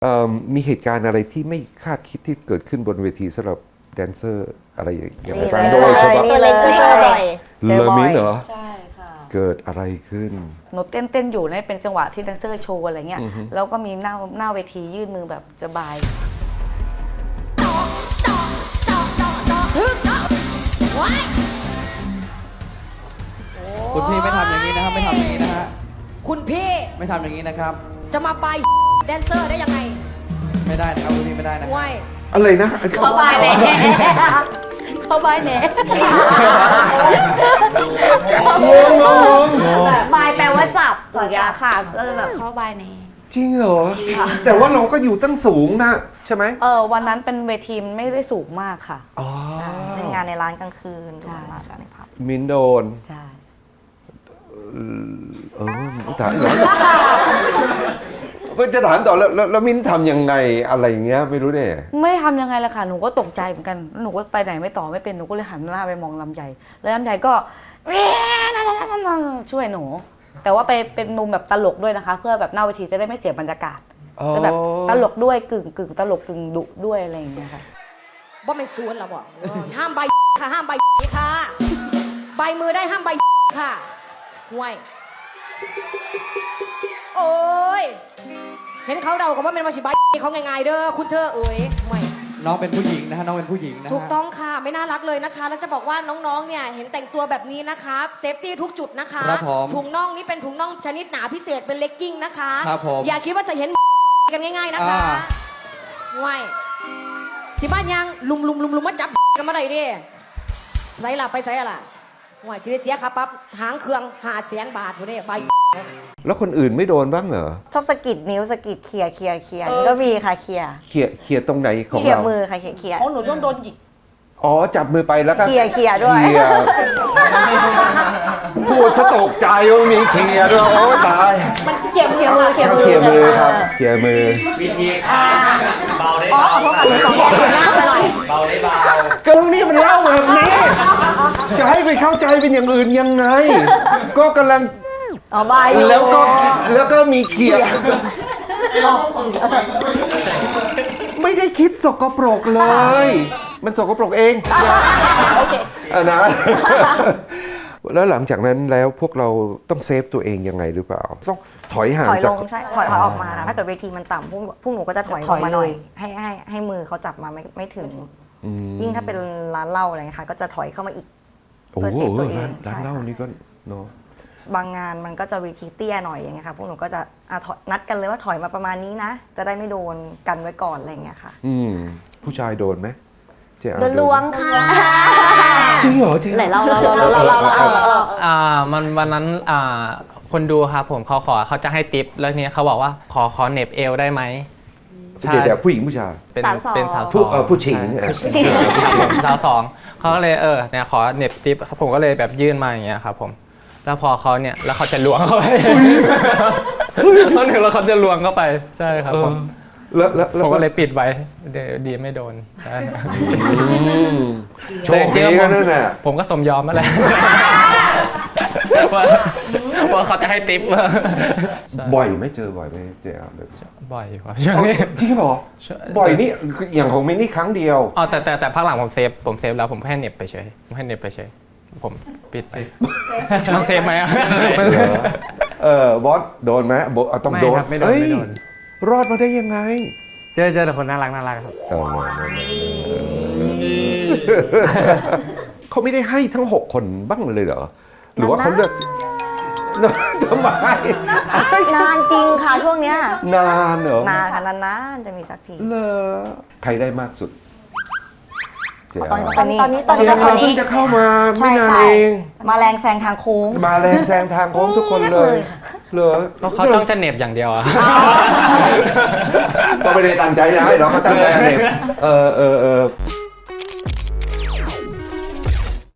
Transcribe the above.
มีเหตุการณ์อะไรที่ไม่คาดคิดที่เกิดขึ้นบนเวทีสำหรับแดนเซอร์อะไรอย่างไรบ้างโดยเฉพาะตัวเล็กก็เจอบ่อยเลอมินเหรอใช่ค่ะเกิดอะไรขึ้นหนูเต้นอยู่ในเป็นจังหวะที่แดนเซอร์โชว์อะไรเงี้ยแล้วก็มีหน้าเวทียื่นมือแบบจะบายคุณพี่ไม่ทำอย่างนี้นะครับไม่ทำอย่างนี้นะฮะคุณพี่ไม่ทำอย่างนี้นะครับจะมาไปแดนเซอร์ได้ยังไงไม่ได้นะครับคุณพี่ไม่ได้นะครับว้ายอะไรนะเข้าบายแหน่เข้าบายแหน่บายแปลว่าจับอย่างเงี้ยค่ะ ก็เลยแบบเข้าบายแหน่จริงเหรอ แต่ว่าเราก็อยู่ตั้งสูงนะใช่ไหมวันนั้นเป็นเวทีไม่ได้สูงมากค่ะอ๋อเป็นงานในร้านกลางคืนใช่ร้านในผับมินโดนใช่ไม่ถามเหรอจะถามต่อแล้วมินทำยังไงอะไรอย่างเงี้ยไม่รู้เนี่ยไม่ทำยังไงล่ะค่ะหนูก็ตกใจเหมือนกันหนูก็ไปไหนไม่ต่อไม่เป็นหนูก็เลยหันหน้าไปมองลำไยแล้วลำไยก็ช่วยหนู แต่ว่าไปเป็นมุมแบบตลกด้วยนะคะ เพื่อแบบหน้าเวทีจะได้ไม่เสียบรรยากาศจะแบบตลกด้วยกึ่งตลกกึ่งดุด้วยอะไรอย่างเงี้ยค่ะว่าไม่สวนหรอบอกห้ามใบค่ะห้ามใบค่ะใบมือได้ห้ามใบค่ะห่วย โอ้ยเห็นเขาเราก็ว่าเป็นวาสิใบเขาง่ายๆเด้อคุณเธอเอ๋ยห่วยน้องเป็นผู้หญิงนะฮะน้องเป็นผู้หญิงนะฮะถูกต้องค่ะไม่น่ารักเลยนะคะ แล้วจะบอกว่าน้องๆเนี่ยเห็นแต่งตัวแบบนี้นะคะเซฟตี้ทุกจุดนะคะครับผมถุงน่องนี่เป็นถุงน่องชนิดหนาพิเศษเป็นเลกกิ้งนะคะครับผมอย่าคิดว่าจะเห็นกันง่ายๆนะคะห่วยสิบ้านยังลุมมาจับกันมาได้ดิไสล่ะไปไสล่ะห่วยเสียครับปั๊บหางเครื่อง500,000 บาทอยู่เนี่ยใบแล้วคนอื่นไม่โดนบ้างเหรอชอบสะกิดนิ้วสะกิดเคลียร์นี่ก็มีค่ะเคลียร์เขี่ยตรงไหนของเคลียร์เรามือค่ะเคลียร์เพราะหนูต้องโดนหยิกอ๋อจับมือไปแล้วก็เคลียร์ด้วยเคลียร์พูดสะตกใจว่ามีเคลียร์ด้วยโอ้ตายมันเขี่ยมือเคลียร์มือครับเคลียร์มือวิธีขายเบาได้เบาเบาได้เบาก็นี่มันเล่าแบบนี้ จะให้ไปเข้าใจเป็นอย่างอื่นยังไง ก็กำลังอ๋อบายอยู่แล้วก็มีเขียบไม่ได้คิดสกปรกเลย มันสกปรกเองนะ แล้วหลังจากนั้นแล้วพวกเราต้องเซฟตัวเองยังไงหรือเปล่า ต้องถอยห่างถอยลจากงใช่ถอยออกมา ถ้าเกิดเวทีมันต่ำพวกหนูก็จะถอยลงมาหน่อยให้มือเขาจับมาไม่ถึง ยิ่งถ้าเป็นร้านเหล้าอะไรเงี้ยค่ะก็จะถอยเข้ามาอีกโอ้เพื่อโหเซฟตัวเองร้านเหล้านี่ก็เนาะบางงานมันก็จะเวทีเตี้ยหน่อยอย่างเงี้ยค่ะพวกหนูก็จะนัดกันเลยว่าถอยมาประมาณนี้นะ จะได้ไม่โดนกันไว้ก่อนอะไรเงี้ยค่ะผู้ชายโดนไหมเจ๊อาโดนล้วงค่ะจริงเหรอจริงไหนเรามันวันนั้นคนดูครับผมเขาจะให้ติปแล้วเนี้ยเขาบอกว่าขอเหน็บเอวได้ไหมเดี๋ยวผู้หญิงผู้ชายเป็นสาวสองเป็นสาวสองผู้ชิงสาวสองเขาก็เลยเนี่ยขอเหน็บติปผมก็เลยแบบยื่นมาอย่างเงี้ยครับผมแล้วพอเขาเนี่ยแล้วเขาจะล้วงเข้าไปเขาหนึ่งแล้วเขาจะล้วงเข้าไปใช่ครับผมแล้วผมก็เลยปิดไว้ดีไม่โดนใช่โชคดีกันนั่นแหละผมก็สมยอมมาแล้วว่าเขาจะให้ติปบ่อยไหมเจอบ่อยไหมเจ๊อาบ่อยครับช่วงนี้จริงเหรอบ่อยนี่อย่างของมินนี่ครั้งเดียวอ๋อแต่ภาคหลังผมเซฟแล้วผมแค่เหน็บไปเฉยผมปิดไปต้องเซฟไหมอ่ะบอสโดนไหมต้องโดนไม่โดนรอดมาได้ยังไงเจอแต่คนน่ารักครับเขาไม่ได้ให้ทั้ง6 คนบ้างเลยเหรอ หรือว่าเขาเลือกทำไมนานจริงค่ะช่วงเนี้ยนานเหรอนานค่ะนานๆจะมีสักทีเลอใครได้มากสุดเจ๊อาตอนนี้เจ๊อาเพิ่งจะเข้ามาไม่นานเองมาแรงแซงทางโค้งมาแรงแซงทางโค้งทุกคนเลยเหรอเขาต้องจะเหน็บอย่างเดียวอ่ะก็ไม่ได้ตั้งใจจะให้หรอกเขาตั้งใจจะเหน็บ